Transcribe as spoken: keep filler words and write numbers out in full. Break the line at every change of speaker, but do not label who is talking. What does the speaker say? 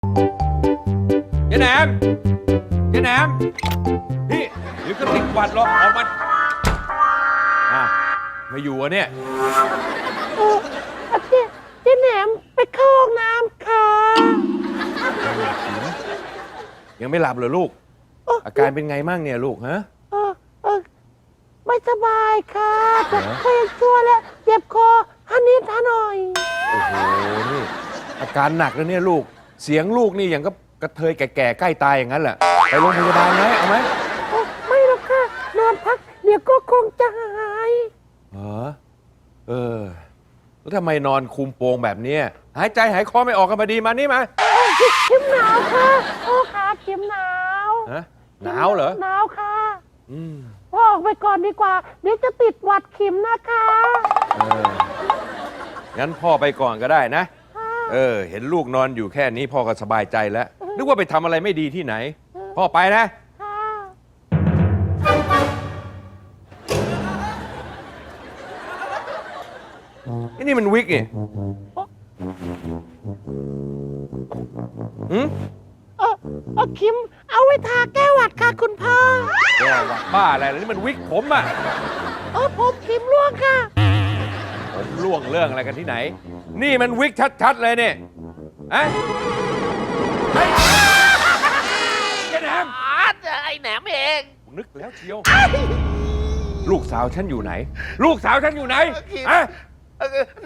ยายแหนมยายแหนมนี่เดี๋ยวก็ติดหวัดหรอกออกมาอ่ะไม่อยู่อ่ะเนี่ย
เออเจ๊เจ๊แหนมไปเข้าห้องน้ำค่ะ
ยังไม่หลับเหรอลูก อาการเป็นไงมั่งเนี่ยลูกฮะ
เออเออไม่สบายค่ะแต่
เหรอ
ก็ยังชั่วแล้วเจ็บคอฮันนิดฮะหน่อย
โอ้โหนี่อาการหนักแล้วเนี่ยลูกเสียงลูกนี่อย่างก็กระเทยแก่ๆใกล้ตายอย่างนั้นแหละไปโรงพยาบาลไหมเอาไหม
โอ้ไม่หรอกค่ะนอนพักเดี๋ยวก็คงจะหาย
เหรอเออแล้วทำไมนอนคุมโปงแบบเนี้ยหายใจหายคอไม่ออกกันพอดีมานี่มา
โอ้เข็มหนาวค่ะโอ้ขาเข็มหนาว
ฮะหนาวเหรอ
หนาวค่ะ
อืม
พ่อออกไปก่อนดีกว่าเดี๋ยวจะติดหวัดเข็มนะคะ
เอองั้นพ่อไปก่อนก็ได้นะ
ค่ะ
เออ เห็นลูกนอนอยู่แค่นี้พ่อก็สบายใจแล้ว นึกว่าไปทำอะไรไม่ดีที่ไหน พ่อไปนะ
ค่ะ
ไอ้นี่มันวิกนี่หืม
เออเออเข็มเอาไว้ทาแก้หวัดค่ะคุณพ่อ
แย่ว่ะบ้าอะไรล่ะนี่มันวิกผมอะ
เออผมเข็มร่วงค่ะ
ผมล่วงเรื่องอะไรกันที่ไหน นี่มันวิกชัดๆเลยเนี่ยอะเฮ้ยไอ้แหนม
ไอ้แหนมเอง
นึกแล้วเชียว ลูกสาวฉันอยู่ไหน ลูกสาวฉันอยู่ไหนอะ
เออแหน